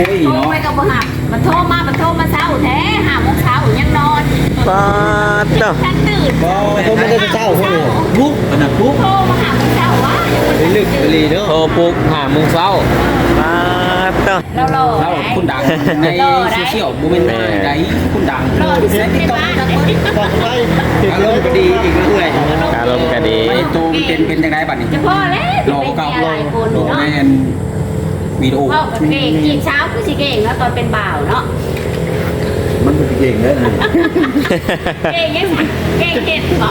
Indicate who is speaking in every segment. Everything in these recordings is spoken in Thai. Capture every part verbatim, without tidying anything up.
Speaker 1: โทรไปกับบ่หับมันโทรมามันโทรมาเช้าแท้ห้าโมงเช้ายังนอน
Speaker 2: ปาดเนาะ
Speaker 1: ฉันตื่น
Speaker 3: บ่โทรมาได้เช้าพวกนี้ปุ๊บอันนั้นปุ๊บ
Speaker 1: โทรมาหาเช้าวะ
Speaker 3: ไปลึกไปลีเด้อ
Speaker 2: โทรปลุกหาโมงเช้าปาดเนาะ
Speaker 1: เรารอ
Speaker 3: เราคุณดังในโซเชียลบ่แม่นใดคุณดัง
Speaker 1: รอที่สุดในบ้าน
Speaker 3: อารมณ์ก็ดีอีกเรื่อย
Speaker 2: อารมณ์ก็ดี
Speaker 3: ไม่โตมันเป็นเป็นจังไดบัดนี้
Speaker 1: จะพ่อแล้ว
Speaker 3: รอเก่า
Speaker 1: หลายคน
Speaker 3: รอ
Speaker 1: เนาะ
Speaker 3: แม่นวิดีโอ
Speaker 1: พ่อกับเก่งกินเช้าคือสิเก่งแล้วตอนเป็นบ่าวเนาะ
Speaker 3: มันเป็นเก่งเด้อ
Speaker 1: เก่งยังเก่งเก่งบ่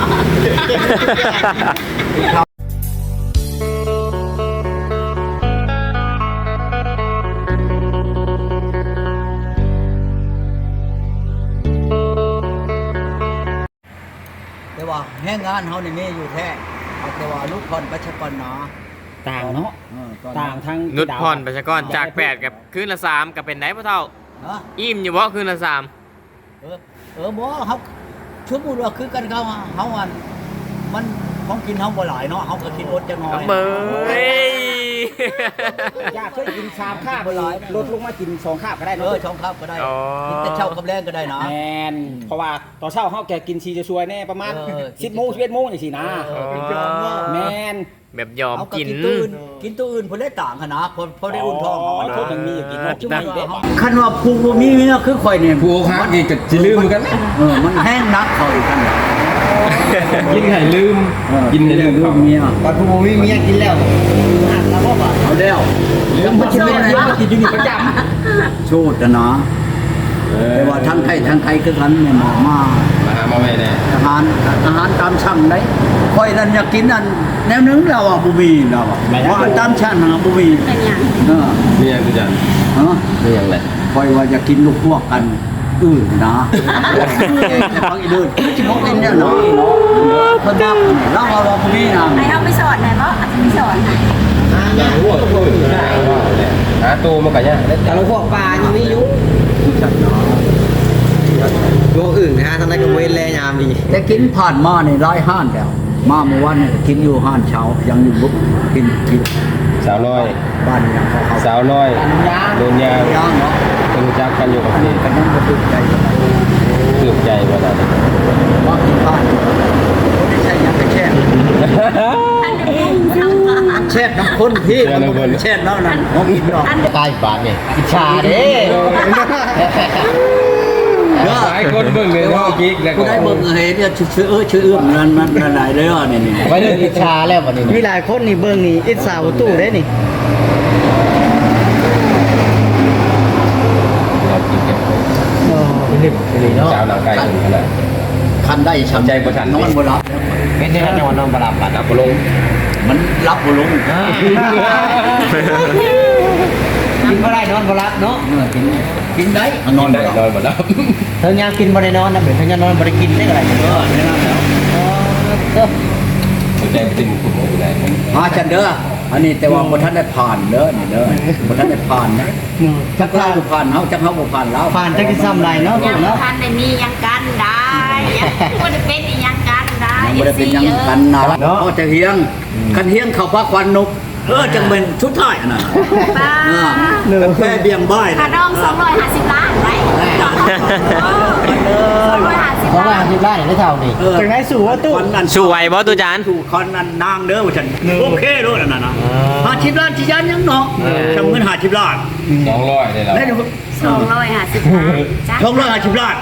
Speaker 4: แต่ว่าแห้งงานเฮานี่มีอยู่แท้เอาแต่ว่าลูกคนประชากรหนา
Speaker 3: ต่างเนาะ
Speaker 4: เออตอน
Speaker 3: ต่างทั้ง
Speaker 2: นุชพรประชากรจากแปดกับคืนละสามกับเป็นไหนพ่อเท่า
Speaker 4: ฮะ
Speaker 2: อิ่มอยู่บ่คืนละสาม
Speaker 4: เออเออบ่เฮาสมมุติว่าคือกันเขาเฮาอันมันของกินเฮาบ่หลายเนาะเฮาก็กินอดจังน้อย
Speaker 2: เบย
Speaker 3: อยากเคยกินชามข้าวบ่หลายลดลงมากินสองข้าวก็ได้
Speaker 4: เอ
Speaker 3: เนาะ
Speaker 4: อช่องครับก็ได้กินแต่เช้ากับแรงก็ได้นะ
Speaker 3: แมนเพราะว่าตอนเช้าเฮาแกกินชีจะช่วยแน่ประมาณ
Speaker 4: เออ
Speaker 3: สิบโมงสิบเอ็ดโมงจังซี่นะ
Speaker 4: เออกินยอมเนาะ
Speaker 3: แมน
Speaker 2: แบบยอม
Speaker 4: เอาก็
Speaker 2: กิน
Speaker 4: กินตัวอื่นกินตัวอื่นเพิ่นได้ต่างกันนะเพราะเพราะได้อุ่นท้องเฮา
Speaker 3: อ๋อ
Speaker 4: นะ
Speaker 3: โทษมันมีอยู่กินเนาะจุ่มนี่เด้
Speaker 4: คันว่าผู้บ่มีเมียคือข่อยเนี่ย
Speaker 5: ผู้ค้ากินกับจะลืมกัน
Speaker 4: เออมันแห้งนักข่อยกันน่ะ
Speaker 5: กินให้ลืม
Speaker 4: เออ
Speaker 5: กินให้ลืม
Speaker 4: ลูกเมีย
Speaker 3: ตอนผู้บ่มีเมียกินแล้วหักแล้วบ่บาด
Speaker 4: เอาแล้วยังบ่กินอะไรบ่กินอยู่นี่ประจำโชดนะ แต่ว่าทั้งไทยทั้งไทยคือกันเนี่ยหมอมา
Speaker 5: มาหามาไม่แน่
Speaker 4: อาหารอาหารตามสั่งได้ค่อยนั่นอยากกินนั่นแนวนึงเราอ่ะบ่มีเราอ่ะว่าอันตามสั่งหาบ่มี
Speaker 1: เป็นอย่าง
Speaker 4: เออ
Speaker 5: มีอย่างกุจัน
Speaker 4: เออ
Speaker 5: มีอย่างไร
Speaker 4: ค่อยว่าอยากกินลูกพวกกันอื่นนะแต่ฟังอีเดินสิบ่กินเนี่ยเนาะเพิ่นนับเราว่าบ่มีนะ
Speaker 1: ให้เอาไปสอนหน่อยบ่ไปสอนให้
Speaker 5: หาหัวตัวอยู่ได้หาตัวมันกันยัง
Speaker 3: แต่เราพวกปลายังมีอยู่ตัวอื่นนะฮะทางนั้นก็เว้นแลยามดี
Speaker 4: แต่กินผ่านมานี่หลายห้านแล้วมาเมื่อวานนี่กินอยู่ห้านเช้ายังอยู่บุกกินกิน
Speaker 5: สาวน้อย
Speaker 4: บ้านยังเขาเขา
Speaker 5: สาวน้อยโดนยาง
Speaker 4: ย่างเนาะ
Speaker 5: เป็นจักกันอยู่กับ
Speaker 4: อันนี้
Speaker 5: นี่
Speaker 4: กันยังบ่ตื่นใจเท่าไหร่
Speaker 5: ตืบใจว่าได้
Speaker 4: ว่ากินข้าวคนที่ใช่ยังไปแช่แช่น้ำข้นพี่มันบ่แช่น้ำนั่นผมกินดอก
Speaker 3: ใต้บาทนี่อิจฉาเด้
Speaker 5: หลายคนเบิ่งเลยว่ากิ๊กแล้ว
Speaker 4: กู
Speaker 5: ก็
Speaker 4: ได้เบิ่งเฮ้ยเนี่ยชื่อเออชื่อเอื้อมนั่นมันนั่นหลายเด้อนี่นี่
Speaker 3: ไว้เรื่องอิจฉาแล้วบัดนี้มีหลายคนนี่เบิ่งนี่อิจฉาประตูได้นี่
Speaker 5: เรากินกัน
Speaker 3: อ๋อนึกเลยเนาะ
Speaker 5: สาวหนังไก่ถึงขนาด
Speaker 4: คันได้ช้ำ
Speaker 5: ใจบ่ทัน
Speaker 4: นอนบ่หลับ
Speaker 3: เป็นที่นอนนอนบ่หลับบัด
Speaker 5: ดับลง
Speaker 4: มันรับบ่ลง
Speaker 3: กินบ่ได้นอนบ่หลับเนาะ
Speaker 4: เออกินกินได้น
Speaker 5: น
Speaker 4: อ
Speaker 5: อน น
Speaker 4: บ่
Speaker 5: ได้
Speaker 4: หลับ
Speaker 5: นอนหมดแล้ว
Speaker 3: เธอยามกินบ่ได้นอนนะเดี๋ยวเธอยามนอนบ่ได้กินได้อะไร
Speaker 4: เออแน่นอนแล้ว
Speaker 3: เด้อ
Speaker 5: ใจติ่มคุณอยู่ไหน
Speaker 4: มาจันเด้ออันนี้แต่ว่าบ่ทันได้ผ่านเด้อนี่เด้อบ่ทันได้ผ่านนะจักเราบ่ผ่านเฮาจักเฮาบ่ผ่านแล้ว
Speaker 3: ผ่านจักสิซ้ำไรเนาะ
Speaker 1: ยัง
Speaker 3: เนาะ
Speaker 1: ทันได้มียังกันได้ยังบ่ได้เป็นอีหยังกันได้
Speaker 4: ยังบ่ได้เป็นหยังกันนะเขาจะเฮียงคันเฮียงเข้าพักควันนกเออจังเป็นชุดท้ายอันนั้น
Speaker 1: ป้า
Speaker 4: เออแค่เบี่ยงบ้าย
Speaker 1: ค่าดองสองร้อยห้าสิบล้านไว้สองร้อยห้าสิบ
Speaker 3: เพราะว่า
Speaker 1: ล้าน
Speaker 3: ที่บ้านได้เท่านี้จังได๋สู่ว่าตู้
Speaker 2: สวยบ่ตุจาน
Speaker 4: สู่คอนนั่นนางเด้อว่าฉันโอเคโลดอันนั้นนะห้าสิบล้านที่ยันยังเนาะจำเงินห้าสิบล้าน
Speaker 5: สองร้อยได้แล้ว
Speaker 4: แล้ว
Speaker 1: สองร้อยห้าสิบล้านจ้ะ
Speaker 4: สองร้อยห้าสิบล้าน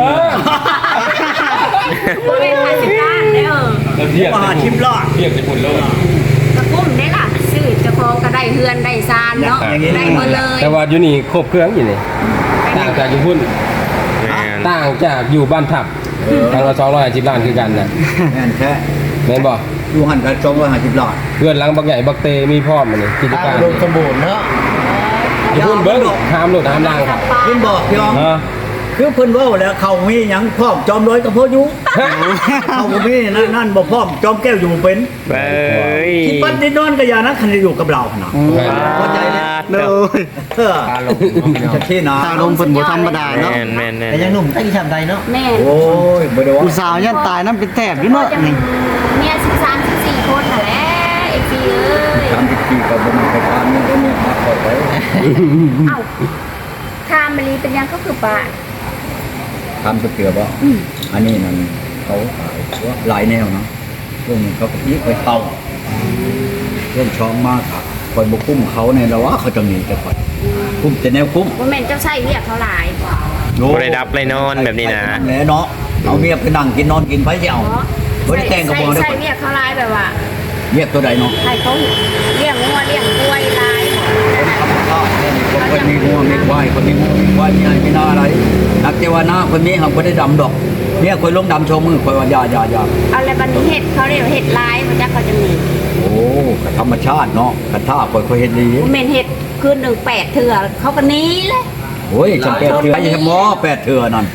Speaker 1: บ่เป็นห้าสิบล้านเด้อ
Speaker 5: แล้วเทียบ
Speaker 4: ห้าสิบล้าน
Speaker 5: เทียบจะพุ่นโลก
Speaker 1: กระกุ้มได้ล่ะซื้อเจ้าของก็ได้เฮือนได้ซานเนาะได้หมดเลย
Speaker 5: แต่ว่าอยู่นี่ครบเครื่องอยู่นี่ต่างจากอยู่พุ่น
Speaker 2: แม่น
Speaker 5: ต่างจากอยู่บ้านทับทางละสองร้อยสิบล้านคือกันนะ
Speaker 4: แม่นแท้
Speaker 5: แม่นบ่
Speaker 4: ดูหันกันสองร้อยห้าสิบล้าน
Speaker 5: เพื่อนหลังบักใหญ่บักเตมีพร้อมมันนี่กิจการ
Speaker 3: รวมสมบูรณ์เนาะ
Speaker 5: อยู่พุ่นเบิ้งห้ามหลุดห้ามล่างครับ
Speaker 4: เพิ่นบอกพี่น้อง
Speaker 5: ฮะ
Speaker 4: คือเพิ่นเว้าแล้วเขามีหยังพร้อมจอมร้อยกับพ่ออยู่เขาบ่มีนั่นนั่นบ่พร้อมจอมแก้วอยู่บ่เป็น
Speaker 2: เบ้ย
Speaker 4: ที่ปัดที่นอนก็อย่านะคันจะอยู่กับเรานะเข้าใจเลย
Speaker 2: เด้อ
Speaker 4: เออจะที่นะ
Speaker 3: ตาลมเพิ่นบ่ธรรมดาเนาะ
Speaker 2: แม่นแม่นแม่น
Speaker 3: แต่ยังหนุ่มตั้งที่ทำใดเนาะ
Speaker 1: แม่
Speaker 4: โอ้ยบ่ได้ว่า
Speaker 3: ผู้สาวยันตายน้ำเป็นแทบอยู่
Speaker 1: ก็
Speaker 3: เนาะ
Speaker 1: จะ
Speaker 3: นี่
Speaker 1: เมียสิบสามสิบสี่คนน่ะแหละไอ้พี่เอ้ย
Speaker 4: ทำพิธีก็บ่มีใครทานนี่ก็มีมาขอไว้
Speaker 1: เอ้าทามมะลีเป็นยังก็คือปลา
Speaker 4: ทำสเกลือบ่อันนี้มันเขาขายว่าหลายแนวเนาะช่วงนี้เขาก็ยิ่งไปเตาเรื่องช้องมากครับคอยบกุ้มเขาเนี่ยแล้วว่าเขาจะหนีแต่คอยกุ้มแต่แนวกุ้ม
Speaker 1: ว่าแม่นเจ้าใช่เรียกเท่าไหร่
Speaker 2: บ่ได้ดับเลยนอนแบบนี้นะ
Speaker 4: แหละเนาะเอาเมียไปนั่งกินนอนกินไปจะเอาบ่ได้แต่งกับบ่ได้
Speaker 1: ใช่เรียกเท่าไหร่แบบว่า
Speaker 4: เรียกตัวใดเนาะ
Speaker 1: ใครเขาเลี้ยงงัวเลี้ยงกล้วยลาย
Speaker 4: คนมีงัวมีควายคนมีงัวมีควายมีอะไรมีนาอะไรนักเทวนาคนนี้เขาบ่ได้ดำดอกเนี่ยคอยลงดำโชว์มือคอยว่าอย่าอย่าอย่า
Speaker 1: เอาอะไรบันนี้เห็ดเขาเรียกเห็ดลายมันจะเขาจะมี
Speaker 4: โอ้ก็ธรรมชาติเนาะกระท่าคอยคอยเฮ็ดดี
Speaker 1: ว่าแม่นเห็ดคืนหนึ่งแปดเถื่อเขาก็หนี้เลย
Speaker 4: โอ้ยจำแปดเถื่อไอ้หมอแปดเถื่อนั่น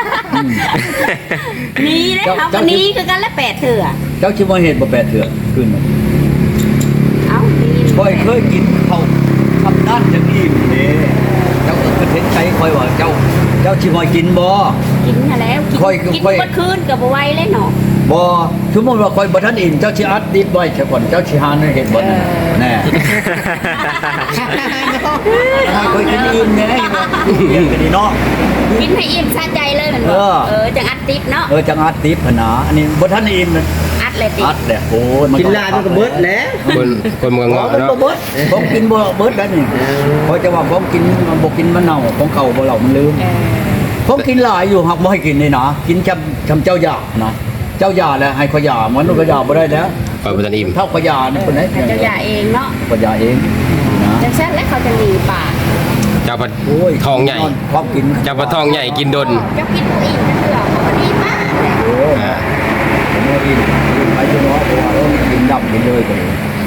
Speaker 1: หนี้เลยเขาก็หนี้คือกันแล้วแปดเถื่อ
Speaker 4: เจ้าชิมว่าเห็ดบ่แปดเถื่อขึ้นมา
Speaker 1: เอ้าหนี้
Speaker 4: คอยเคยกินเขาทำด้านจังอิ่มเด้เจ้าก็คือเห็นใจคอยว่าเจ้า เจ้าชิมว่ากินบ่
Speaker 1: กินมาแล้วกิน
Speaker 4: ค่อย
Speaker 1: กิน
Speaker 4: ค่อย
Speaker 1: เมื่อคืนกับไหว้เลยเนาะ
Speaker 4: บ่สมมุติว่าคอยบ่ทันอิ่มเจ้าสิอัดดิบไว้ซะก่อนเจ้าสิหาเห็ดบ่นั่นแน่ถ้าคอยกินอิ่มแน่เรียกกันดีเนาะ
Speaker 1: กินให้อิ่มสะใจเลยเหมือน
Speaker 4: เอ
Speaker 1: บอก
Speaker 4: อ
Speaker 1: เออจังอัดติดเนาะ
Speaker 4: เออจังอัดดิบพะนาอันนี้บ่ทันอิ่มนะ
Speaker 1: อัดเลยติด
Speaker 4: อัดแหละโอ้ยมัน
Speaker 3: กินลายมันก็เบิดแล้ว
Speaker 5: คนคนเมือง
Speaker 4: เงาะ
Speaker 5: เงาะ
Speaker 4: เนาะ
Speaker 5: เนาะ
Speaker 4: เบิดผมกินบ่เบิดแล้วนี่เพราะจะว่าผมกินบ่กินมันเน่าของเก่าบ่เหล่ามันลืม
Speaker 1: เออ
Speaker 4: ผมกินหลายอยู่หักบ่ให้กินนี่นะกินจำจำเจ้าหยานะเจ้าหยาแล้วให้ขอยามันก็ยาบ่ได้แล้ว
Speaker 5: คอยบ่ทันอิ่ม
Speaker 4: เท่าขอยานี่คนไหน
Speaker 1: ให้เจ้าอย่าเองเนาะ
Speaker 4: ขอยาเองนะ
Speaker 1: จังเช่นแล้วเขาจะหนีป่า
Speaker 5: เจ้าพัด
Speaker 4: โอ้ย
Speaker 5: ทองใหญ่
Speaker 4: ความกิน
Speaker 5: เจ้าพัดทองใหญ่กินดน
Speaker 1: เจ้ากินอิ่มจะเถื่อเขาก็ดีมากเลย
Speaker 4: โอ้ยผมว่าอิ่มไปจนว่าเพราะว่าเออกินดับกินเลยไป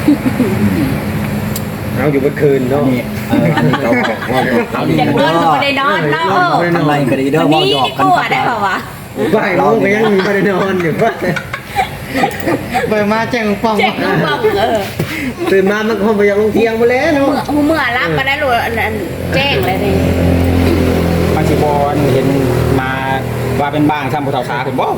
Speaker 3: เอาอยู่เมื่อคืน
Speaker 4: อั
Speaker 3: เนาะ
Speaker 4: นนี้เอออันนี้เราบอกว่าเอาดี
Speaker 1: จะ
Speaker 4: เด้
Speaker 1: เงินก็
Speaker 4: อ
Speaker 1: ไม่ได้นอนเนาะเออ
Speaker 4: ข้างในก็ดีเด้อ
Speaker 1: วัน
Speaker 4: ว่า
Speaker 1: นี้
Speaker 4: หยอก
Speaker 1: นี่
Speaker 4: กัน
Speaker 1: กลัวได้เปล่าวะ
Speaker 3: บ่ายโมงก็ยังมีไปนอนอยู่ว่าไปมาแจ้งป้อง
Speaker 1: เจ็บลูกบ้องเออ
Speaker 3: ตื่นมามันคงไปยังลงเที่ยงมาแล้ว
Speaker 1: เมื่
Speaker 3: เนาะ
Speaker 1: อเมื่อรับมาได้รู้อันนั้นแจ้งเลยนี่
Speaker 6: บางทีบอลเห็นมาว่าเป็นบ้านซ้ำภูเขาขาคุณบ่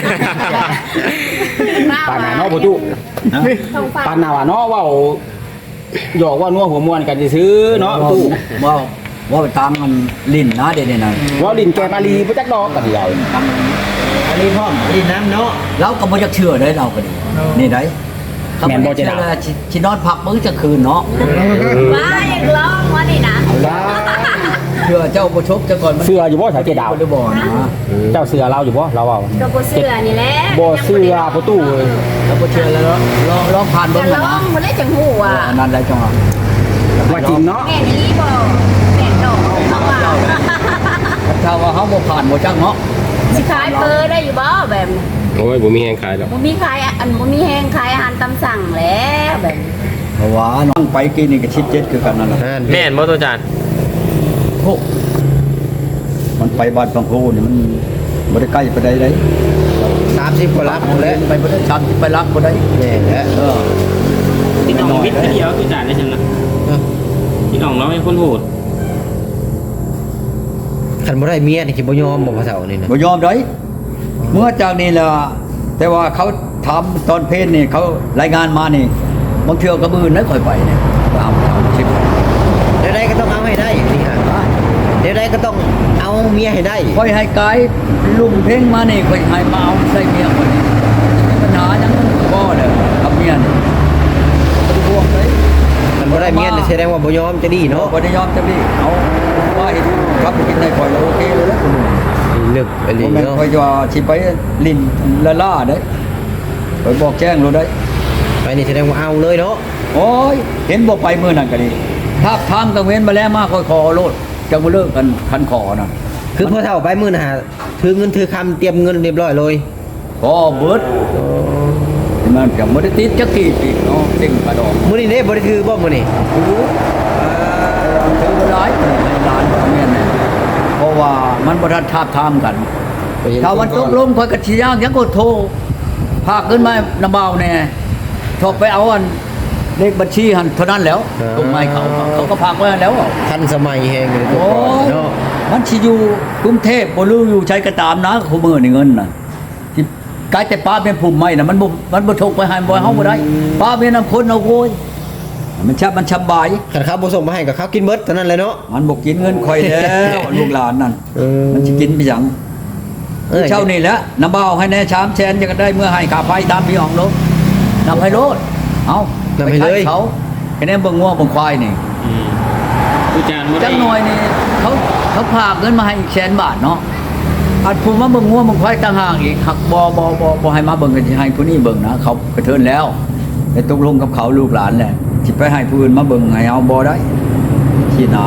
Speaker 6: ปานหนาเนาะประตู
Speaker 1: ท้องฟ้า
Speaker 6: ปานหนาว่าเนาะว่าหยอกว่านัวหัวมวนกันจะซื้อเนาะประตู
Speaker 4: ว่าว่าไปตามมันลิ้นนะเดี๋ยวนี้นะ
Speaker 6: ว่าลินแกมาลีพระจักดอกกันใหญ่
Speaker 3: อันนี้พ่อมอันนี้น้ำเนาะ
Speaker 4: เราก็บ่จะเชื่อได้เราก็ดีนี่ได้
Speaker 6: แม่นบ่จะ
Speaker 4: เชื่
Speaker 6: ด่า
Speaker 4: อชิชินอนพักมื้อจะคืนเนาะ
Speaker 1: ว้ายังร้องวะนี่นะ
Speaker 4: เชื่อเจ้าบ่ชกจะก่อนมัน
Speaker 6: เสืออยู่บ่สายเกดาว
Speaker 4: บ่ได้บ่นะ
Speaker 6: เจ้าเสือเราอยู่บ่เราเอา
Speaker 1: ตัวโบเสือนี่แหละ
Speaker 6: บ่เสือประตูเลย
Speaker 4: แล้วบ่เชื่อแล้วเนาะลองลองผ่าน
Speaker 1: จะ
Speaker 4: เบิ่ง
Speaker 1: ร้อ
Speaker 4: นะ
Speaker 1: งมาได้จังหูอ่ะ
Speaker 4: อันนั้นได้จังหวะ
Speaker 6: ว่าจริงเนาะ
Speaker 1: แม่นี่บ่แม่ดอกเขาว่า
Speaker 4: ถ้าว่าเฮาบ่ผ่านบ่จังเนาะ
Speaker 1: สิขายเปอร์ได้อยู่บ่แบบ
Speaker 5: โอ้ยบ่มีแหงขายหรอก
Speaker 1: บ่มีขายอันบ่มีแห้งขายอาหารตามสั่งแล้วแบบ
Speaker 4: เพราะว่าน้องไปกินนี่ก็ชิดเจ็ดคือกันนั่นแหละ
Speaker 2: แม่นบ่ตัวจาน
Speaker 4: โอ้มันไปบ้านบางโพนี่มันบ่ได้ใกล้ไปได้เลย
Speaker 3: สามสิบกว่าลักแล้ว
Speaker 4: ไปบ่ได้ชันไปรักบ่ได้
Speaker 3: แน่แล้ว
Speaker 4: เออ
Speaker 6: พี่น้องวิทย์เดียวตัวจานได้จังนะพี่น้องเราเป็นคนโหด
Speaker 3: คันบ่ได้เมียนี่สิบ่ยอมบ่พระเฒ่านี่นะ
Speaker 4: บ่ยอมได้เมื่อจากนี้ล่ะแต่ว่าเขาทำตอนเพศนี่เขารายงานมานี่บางเทื่อก็มื้อนั้นค่อยไปเนี่ยตามตามคลิป
Speaker 3: เดี๋ยวใดก็ต้องเอาให้ได้นี่ฮะเดี๋ยวใดก็ต้องเอาเมียให้ได้
Speaker 4: ค่อยให้กายลุงเพ่งมานี่ค่อยให้มาเอาใส่เมียคนนี้มีปัญหาจังบ่เลยกับเมียนี่บ่ได้ห่วงเลย
Speaker 3: คันบ่ได้เมียนี่แสดงว่าบ่ยอมจะดีเนาะ
Speaker 4: บ่ได้ยอมจะพี่เอาว่าเห็นครับกินได้ค่อยแล้วโอเคเลยนะคุณลุง
Speaker 3: ลึกไปเล
Speaker 4: ผ
Speaker 3: ย
Speaker 4: มแม่น
Speaker 3: เนาะ
Speaker 4: ค่อยว่าสิไปลิ้นละล่าเด้ค่อยบอกแจ้งโลดได้
Speaker 3: ไปนี่แสดงว่าเอาเลยเนาะ
Speaker 4: โอ้ยเห็นบ่ไปมื้อนั้นก็ดีถ้าทางกังเว้นมาแล้วมาค่อยขอโลดจังบ่เลิกกันคันขอน่ะ
Speaker 3: คือพ่อเฒ่าไปมื้อน่ะถือเงินถือคำเตรียมเงินเรียบร้อยเลย
Speaker 4: ขอเบิดมันก็บ่ได้ติดจักกี่ปีเนาะเต็งกระดอง
Speaker 3: มื้อนี้เด้บ่ได้ถือบ่มื้อนี้
Speaker 4: ถือถือบ่หลายในร้านบ่แม่นน่ะเพราะว่ามันบ่ทันทาบทามกัน ถ้าวันตกลงข่อยก็สิยากยังก็โทรพากขึ้นมานำเบาแน่โทรไปเอาอันเลขบัญชีหันเท่านั้นแล้วตรงไม้เขาเขาก็พากไว้แล้ว
Speaker 3: ทันสมัยแฮงเลย
Speaker 4: โอ้ย
Speaker 3: เนาะ
Speaker 4: มันสิอยู่กรุงเทพบ่รู้อยู่ใช้ก็ตามนะคู่มือนี่เงินน่ะที่กายแต่ป้าเป็นผู้ใหม่น่ะมันบ่มันบ่ทกไปให้บ่เฮาบ่ได้ป้าเป็นนำคนเอาโวยมันชับมันสบาย
Speaker 5: ขันข้าวผสมมาให้กับข้าวกินเบิดเท่านั้นเลยเนาะ
Speaker 4: มันบอกกินเงินคอยแล้วลูกหลานนั่น
Speaker 5: เออ
Speaker 4: มันจะกินไปหยัง
Speaker 5: เออ
Speaker 4: เช่านี่แหละน้ำเบาให้แน่ชามแชนจะได้เมื่อให้ขาไฟตามพี่อองลงนำให้โลดเอา
Speaker 5: นำให้เลย
Speaker 4: ปเขาแค่นี้เบิ่งงัวเบิ่งควายนี่
Speaker 6: ตุจานบ่ได้
Speaker 4: จังหน่อยนี่เขาเขาพากเงินมาให้อีกแสนบาทเนาะอัดผู้มาเบิ่งงัวเบิ่งควายต่างหากอีกหักบ่บ่บ่บ่ให้มาเบิ่งกันสิให้ผู้นี้เบิ่งนะเขากระเทินแล้วแต่ตกลงกับเขาลูกหลานแหละสิไปให้ผู้อื่นมาเบิ่งให้เอาบ่ได้ที่หนา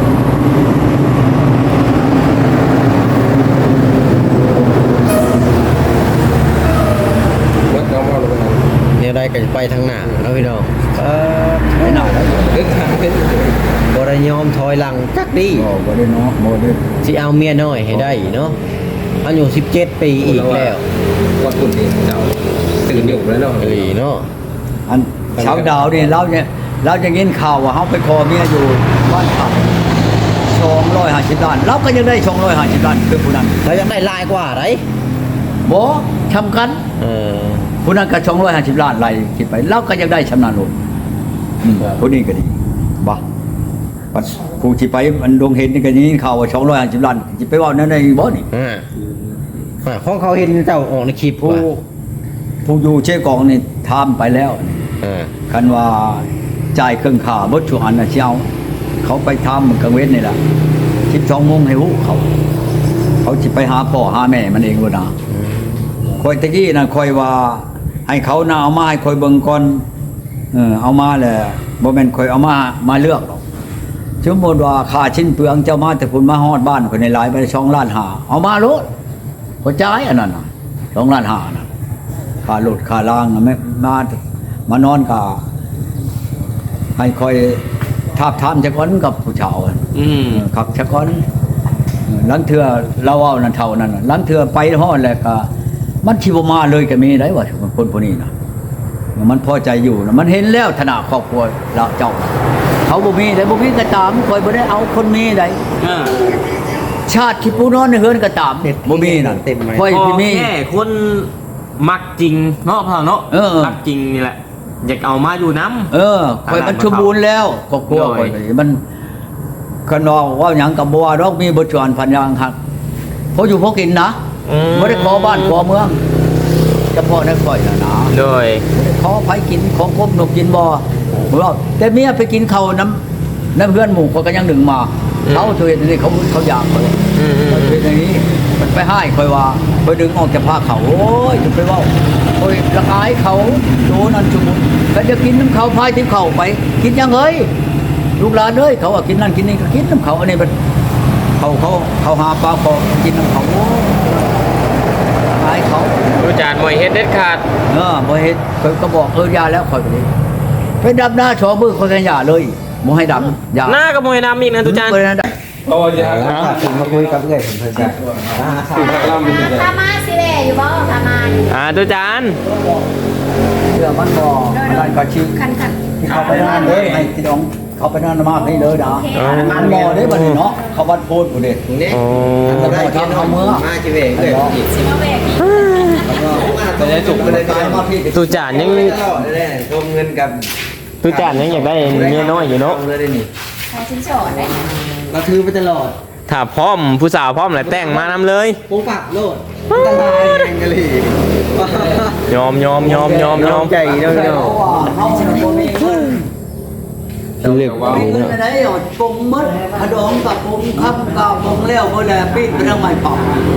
Speaker 5: เบิดน้องเอาลงไปเนี่ยได้ก็จะไปทางหน้าเนาะพี่น้องเออ
Speaker 4: ไม่น่าได้บ่
Speaker 5: เด็กทางเป็นบ่ได้ยอมถอยหลังจักดี
Speaker 4: บ่ได้เนาะบ่ได้
Speaker 5: สิเอาเมียน้อยให้ได้เนาะอายุสิบเจ็ดปีอีกแล้ว
Speaker 6: วัดคุณนี่เจ้าตื่นอยู่แล้วเนาะ
Speaker 5: เอ้ยเนาะ
Speaker 4: อันเช้าดาวนี่เราเนี่ยเราจะยินข่าวว่าเฮาไปขอเมียอยู่บ้านเขาสองร้อยห้าสิบล้านเราก็ยังได้สองร้อยห้าสิบล้านคือผู้นั้น
Speaker 5: แล้วยังได้หลายกว่าได
Speaker 4: บ่ทำกัน
Speaker 5: เออ
Speaker 4: ผู้นั้นก็สองร้อยห้าสิบล้านไล่คิดไปเราก็ยังได้ชำนาญโลดอืมผู้นี้ก็ดีบ่ปัดผู้ที่ไปมันดวงเห็นนี่ก็ยินข่าวว่าสองร้อยห้าสิบล้านสิไปเว้านั้นได้บ่นี่
Speaker 5: อ่าอ่าของเขาเห็นเจ้าออกในคลิป
Speaker 4: ผู้
Speaker 5: ว่า
Speaker 4: ผู้อยู่เชกองนี่ทำไปแล้ว
Speaker 5: อ่า
Speaker 4: คันว่าจ่ายเครื่องค่าเบิดช่วงอันน่ะสิเอาเขาไปทำกลางเว้นนี่ล่ะสิบสองโมงให้ฮู้เขา เขาสิไปหาพ่อหาแม่มันเองบ่น่ะคอยตะกี้น่ะคอยว่าให้เขาน่ะเอามาให้คอยเบิ่งก่อนเออเอามาแหละบ่แม่นคอยเอามามาเลือกหรอกสมมุติว่าค่าชิ้นเปลืองเจ้ามาแต่พุ่นมาฮอดบ้านคนในหลายไปสองล้านห้าเอามาโลดบ่จ่ายอันนั้นน่ะสองล้านห้าน่ะค่ารถค่าล่างน่ะแม่มามานอนก็ให้คอยทาบทามจักก่อนกับผู้ชาวอะ
Speaker 2: อืม
Speaker 4: ขับชะก้อนหลังเถื่อเราเอานั่นเท่านั้นน่ะหลังเถื่อไปฮอดแล้วก็มันชิบมาเลยก็มีได้ว่าคนพวกนี้นะมันพอใจอยู่นะมันเห็นแล้วฐานะครอบครัวเราเจ้าน่ะเขาบ่มีได้บ่มีก็ตามคอยบ่ได้เอาคนมีได้
Speaker 6: อ่า
Speaker 4: ชาติที่ผู้นอนในเฮือนก็ตามบ่มีนั่นคอย
Speaker 2: พอ
Speaker 4: พี่มี
Speaker 2: แค่คนมักจริงเนาะพ่อเนาะ
Speaker 4: เออ
Speaker 2: มักจริงนี่แหละอยากเอามาอยู่น้ำ
Speaker 4: เออคอยมันสมบูรณ์แล้วครอบครัวคอยมันคนนอกว่าหยังก็บ่ว่าดอกมีบ่จวนพันอย่างฮักเพราะอยู่พอกินนะ
Speaker 2: อืม
Speaker 4: บ่ได้ขอบ้านขอเมืองเฉพาะในข่อยน่ะนะ
Speaker 2: โดย
Speaker 4: ขอไผกินของคมนกกินบ่บ่ว่าแต่เมียไปกินข้าวน้ำน้ำเพื่อนหมู่เขาก็ยังหนึ่งมา
Speaker 2: อืม
Speaker 4: เขาตัวเองนี่เขาเขาอยากเขาเลย
Speaker 2: อืมอืม
Speaker 4: เขาเป็นอย่างนี้มันไปให้คอยว่าไปดึงออกจากผ้าเขาโอ้ยจะไปเว่าโอ้ยละอายเขาโดนั่นชุมุนก็จะกินน้ำเขาพายที่เขาไป กินยังเฮ้ยลูกหลานเอ้ยเขาว่ากินนั่นกินนี่ก็กินน้ำเขาอันนี้มันเขาเขาเขาหาปลาเขากินน้ำเขาโอ้ยละอายเขา
Speaker 2: ดูจานมวยเฮ็ดเด็ดขาด
Speaker 4: เออบ่เฮ็ดเขาก็บอกเออยาแล้วคอยไปดิไปดับหน้าชอมือคนกันยาเลยบ่ให้ดำยา
Speaker 2: หน้าก็มวยดำอีกนะทุกจาน
Speaker 4: บ่ได้ด
Speaker 6: โอ้ยอย่า
Speaker 5: ถึงมาคุยกับเพื่อนผมเพิ่นจะ
Speaker 1: ทามาสิแม่อยู่บ่ทามา
Speaker 2: อ่าทุกจาน
Speaker 4: ำเชื่อมันบ่อันนั้นก็ชื่อ
Speaker 1: คันคัน
Speaker 4: ที่เขาไปนั่นเลยให้พี่น้องเขาไปนั่นมาให้เลยนะ
Speaker 1: โอเค
Speaker 4: มันบ่ได้บัดนี้เนาะเขาวัดโพดบ่ได้
Speaker 5: นี่
Speaker 2: โอ้
Speaker 4: เขาได้ทำเขาเมือง
Speaker 5: มาจิเวงเลย
Speaker 1: สิมาแบกนี่
Speaker 5: จะได้จุกไปเลย
Speaker 4: ตายมาพี่
Speaker 2: ทุกจานยัง
Speaker 5: ตลอดเลยรวมเงินกับ
Speaker 2: ทุกจานยังอยากได้เมียน้อยอยู่เนาะ
Speaker 5: เลยได้นี่
Speaker 1: ขอชิ้นสอดได้
Speaker 5: เราถือไปตลอด
Speaker 2: ถ้าพร้อมผู้สาวพร้อมแล้วแต่งมานำเลย
Speaker 5: ปุ๊บปักโลดอันตรายแรงกะหรี่
Speaker 2: ยอมยอมยอมยอมยอม
Speaker 5: ใจเนาะเนาะ
Speaker 4: เขาบ่มีเงิน
Speaker 5: เลือก
Speaker 4: บ่มีเงินไปไหนเอาปรุงหมดขนมกับปรุงครับกับปรุงแล้วบ่แล้วปิ้งไปทางใหม่เป่า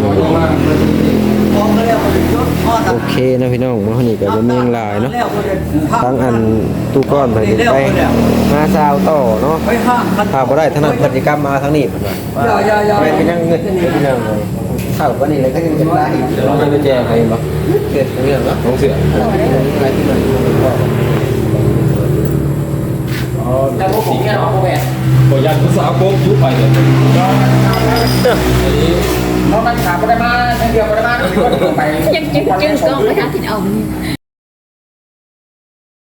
Speaker 4: ของก็แล้วบ่ได้ยศทอด
Speaker 5: โอเคนะพี่น้องมื้อนี้ก็บ่มีหยังหลายเนาะทั้งอันตู้ก้อนไปไปมาซาวต่อเนาะ
Speaker 4: ไปห้างคัน
Speaker 5: ถ้าบ่ได้ถนัดพฤติกรรมมาทางนี้เพิ่นว่า
Speaker 4: อย่าอย่าอย่า
Speaker 5: ไม่เป็นยังเงินพี่น้องเลยเข้าวันนี้เลยก็ยังจะได้อีกเราไม่ได้แจ้งใครบ่เกิดเรื่องเนาะของเสืออะไรที่มัน
Speaker 6: แต่พวกผมเนี่ยพวกแม่บ่ยันผู้สาวโกงยุบไปเลยเราตั้งขาบ่ได้มาเดียวบ่ได้มาไป
Speaker 1: ยังจึงจึงก็ไปหาที่เอา